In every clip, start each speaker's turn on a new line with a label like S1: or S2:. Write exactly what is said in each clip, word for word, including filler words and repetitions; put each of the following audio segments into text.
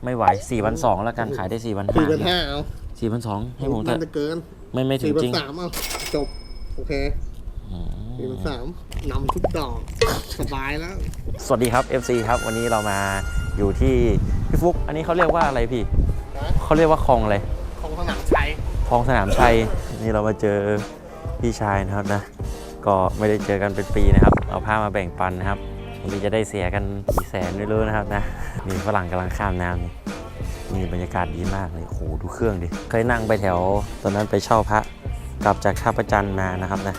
S1: ไม่ไหวสี่พันสองแล้วกันขายได้สี่พันห้า
S2: สี่พันห้าเอา
S1: สี่พันสองให้ผมเถ
S2: มั
S1: อะ
S2: นจะเกิน
S1: ไม่ไม่ถึง
S2: สี่พั
S1: จ
S2: น
S1: ริง
S2: สามเอาจบโอเคสี่พันสามนำทุกดอกสบายแล้ว
S1: สวัสดีครับ เอฟ ซี ครับวันนี้เรามาอยู่ที่พี่ฟุกอันนี้เขาเรียกว่าอะไรพี่เขาเรียกว่าคลองอะไร
S2: ของสนามชัย
S1: คลองสนามชัยนี่เรามาเจอพี่ชายนะครับนะก็ไม่ได้เจอกันเป็นปีนะครับเอาผ้ามาแบ่งปันนะครับวันนี้จะได้เสียกันกี่แสนไม่รู้นะครับนะมีฝรั่งกำลังข้ามน้ำนี่มีบรรยากาศดีมากเลยโอ้โหดูเครื่องดิเคยนั่งไปแถวตอนนั้นไปเช่าพระกลับจากท่าประจันมานะครับนะ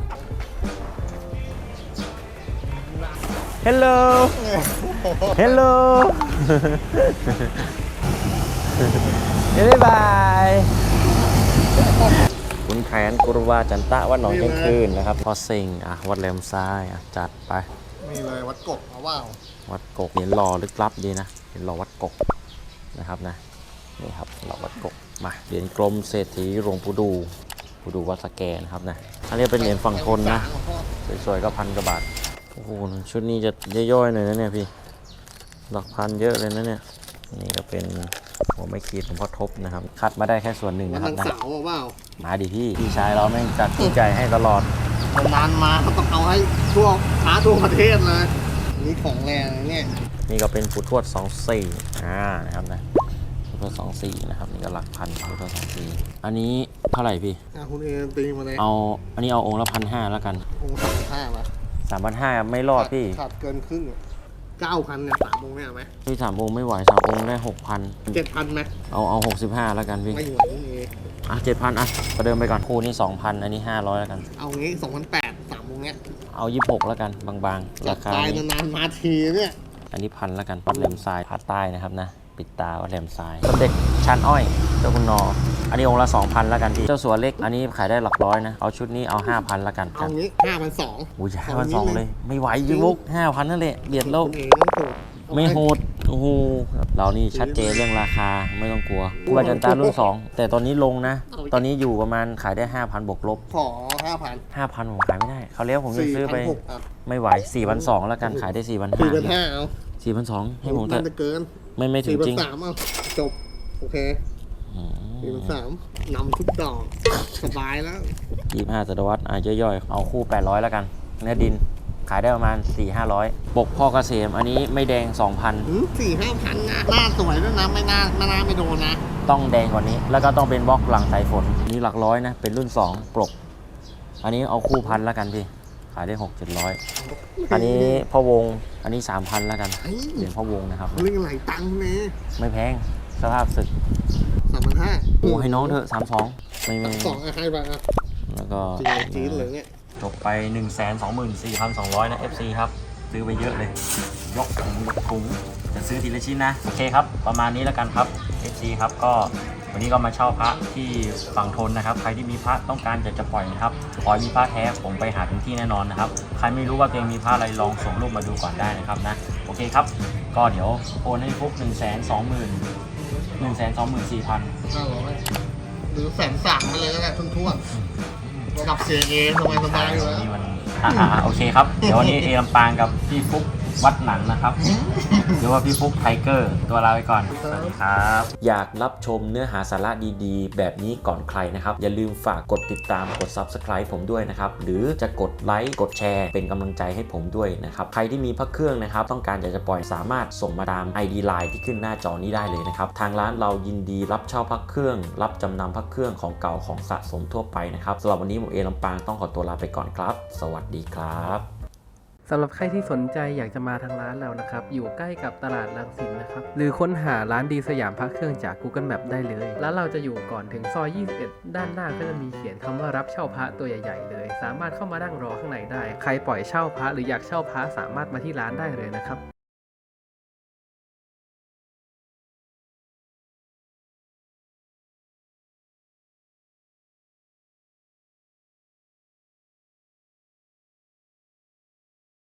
S1: Hello Hello บ๊ายบายคุณแผนกุรวาจันตะวัดหนองเชียงคืนนะครับพอสิงอ่ะวัดแหลมซ้ายอ่ะจัดไป
S2: นี่เลยวัดกบเอาว่า
S1: วัดกกเหรียญหล่อลึกลับดีนะเหรียญหล่อวัดกกนะครับนะนี่ครับหล่อวัดกกมาเหรียญกลมเศรษฐีหลวงปู่ดูปู่ดูวัดสแกนะครับนะอันนี้เป็นเหรียญฝั่งทนนะสวยๆก็พันกว่าบาทโอ้โหชุดนี้จะย่อยๆหน่อยนะเนี่ยพี่หลักพันเยอะเลยนะเนี่ยนี่ก็เป็นหัวไม่ขีดหลวงพ่อทบนะครับคัดมาได้แค่ส่วนหนึ่ง
S2: วั
S1: นะ
S2: ด
S1: ครับ
S2: ทาง
S1: นะ
S2: เสาเอาว่า
S1: มาดิพี่พี่ชายเราแม่งจัดยิ่งใหญ่ให้ตลอด
S2: นานมาเขาต้องเอาให้ทั่วท้าทั่วประเทศเลยนี่ของแรงเนี่ย
S1: นี่ก็เป็นปู่ทวดสองสี่อ่านะครับนะปู่ทวดสองสี่นะครับนี่ก็หลักพันปู่ทวดสองสี่อันนี้เท่าไหร่พี่
S2: อ่ะคุณเอตีมาเลย
S1: เอาอันนี้เอาองค์ละพันห้าแล้วกัน
S2: องค์สามห้าป่ะ
S1: สามพันห้าไม่รอดพี่
S2: ขาดเกินครึ่งเก้าพันเนี่ยสามองค์เนี่ยไหม
S1: พี่สามองค์ไม่ไหวสามองค์ได้หกพัน
S2: เจ็ดพันไหม
S1: เอาเอาหกสิบห้าแล้วกันพี่
S2: ไม่ไหวคุณเอ
S1: อ่ะเจ็ดพันอ่ะประเดิมไปก่อนคู่นี้สองพันอันนี้ห้าร้อยแล้วกัน
S2: เอางี้สองพันแปดสามองค์เนี่ย
S1: เอายี่สิบหกแล้วกันบางๆ
S2: จั
S1: รา
S2: ด
S1: คา
S2: ตาย
S1: นี้
S2: นานๆมาทีเนี่ย
S1: อันนี้พันแล้วกันวัดแหลมทรายผาใต้นะครับนะปิดตาวัดแหลมทรายสมเด็จชันอ้อยเจ้าคุณนออันนี้องค์ละสองพันแล้วกันพี่เจ้าสัวเล็กอันนี้ขายได้หลักร้อยนะเอาชุดนี้เอาห้าพันแล้วกัน
S2: เอางี้ห้าพันสอง
S1: อุ้ยห้าพันสองเลยไม่ไหวยูบุกห้าพันนั่นแหละเบียดโลก
S2: คุณเอต้องโหด
S1: ไม่โหดโอ้โหเรานี่ชัดเจนเรื่องราคาไม่ต้องกลัวคูบาจันตารุ่นสองแต่ตอนนี้ลงนะ ตอนนี้อยู่ประมาณขายได้ห้าพันบวกลบ
S2: ขอห้าพัน
S1: ห้าพันผมขายไม่ได้เขาเลี้ยวผมจะซื้อไป
S2: สี่พันหกอ่ะ
S1: ไม่ไหวสี่พันสองแล้วกันขายได้สี่พัน
S2: สี่
S1: ห้า
S2: พันห้าเอา
S1: สี่พันสองให้ผมเถ
S2: มั
S1: อะ
S2: นจะเกิน
S1: ไม่ไม่ถึ
S2: สี่
S1: ง
S2: พัน
S1: จริง
S2: สามเอาจบโอเค
S1: อื
S2: สี่
S1: ม
S2: พันสามนำทุกดอกสบายแล้ว
S1: ยี่สิบห้าศตวรรษอ่ะย่อยๆเอาคู่แปดร้อยแล้วกันเนื้อดินขายได้ประมาณสี่ห้าร้อยปกพ่อเกษมอันนี้ไม่แดงสองพัน
S2: สี่ห้าพันนะหน้าสวยด้วยนะไม่น่าไม่น่าไม่โดนนะ
S1: ต้องแดงกว่านี้แล้วก็ต้องเป็นบล็อกหลังสายฝนนี่หลักร้อยนะเป็นรุ่นสองปลกอันนี้เอาคู่พันแล้วกันพี่ขายได้หกเจ็ดร้อยอันนี้พ่อวงอันนี้สามพันแล้วกัน
S2: ไอ้
S1: เหรียญพ่อวงนะครับ
S2: เรื่องไหลตังค์เนี่ย
S1: ไม่แพงสภาพศึก
S2: สามพันห้า
S1: โอ้ให้น้องเถอะสามสองไม่ไม่
S2: สองอะให้ไปอ่ะ
S1: แล้วก็
S2: จีนจีนเลยเนี่ย
S1: จบไป หนึ่งแสนสองหมื่นสี่พันสองร้อย นะ เอฟ ซี ครับ ซื้อไปเยอะเลย ยกถุงยกถุงจะซื้อทีละชิ้นนะ โอเคครับ ประมาณนี้แล้วกันครับ เอฟ ซี ครับ ก็วันนี้ก็มาเช่าพระที่ฝั่งทนนะครับ ใครที่มีพระต้องการจะจะปล่อยนะครับขอให้มีพระแท้ผมไปหาถึงที่แน่นอนนะครับ ใครไม่รู้ว่าตัวเองมีพระอะไรลองส่งรูปมาดูก่อนได้นะครับนะ โอเคครับ ก็เดี๋ยวโอนให้พวกหนึ่งแสนสองหมื่นหนึ่งแสนสองหมื่นสี่พัน
S2: ห้าร้อยหรือแสนสามไปเลยแล้วกันทุ่นๆระดับเสียเอสบายสบายอยู่แล้ว
S1: นี่มันอ่าโอเคครับ เดี๋ยววันนี้เอลำปางกับพี่ฟุกวัดหนังนะครับหรือว่าพี่ฟุกไทเกอร์ตัวลาไปก่อน สวัสดีครับ อยากรับชมเนื้อหาสาระดีๆ แบบนี้ก่อนใครนะครับ อย่าลืมฝากกดติดตามกด ซับสไครบ์ ผมด้วยนะครับ หรือจะกดไลค์กดแชร์เป็นกำลังใจให้ผมด้วยนะครับ ใครที่มีพระเครื่องนะครับ ต้องการอยากจะปล่อยสามารถส่งมาตาม ไอ ดี ไลน์ ที่ขึ้นหน้าจอนี้ได้เลยนะครับ ทางร้านเรายินดีรับเช่าพระเครื่อง รับจำนำพระเครื่องของเก่าของสะสมทั่วไปนะครับสำหรับวันนี้ผมเอลำปางต้องขอตัวลาไปก่อนครับ สวัสดีครับ
S3: สำหรับใครที่สนใจอยากจะมาทางร้านเรานะครับ อยู่ใกล้กับตลาดรังสิตนะครับ หรือค้นหาร้านดีสยามพระเครื่องจาก Google Map ได้เลย ร้านเราจะอยู่ก่อนถึงซอย ยี่สิบเอ็ด ด้านหน้าก็จะมีเขียนคำว่ารับเช่าพระตัวใหญ่ๆเลย สามารถเข้ามานั่งรอข้างในได้ ใครปล่อยเช่าพระหรืออยากเช่าพระสามารถมาที่ร้านได้เลยนะครับ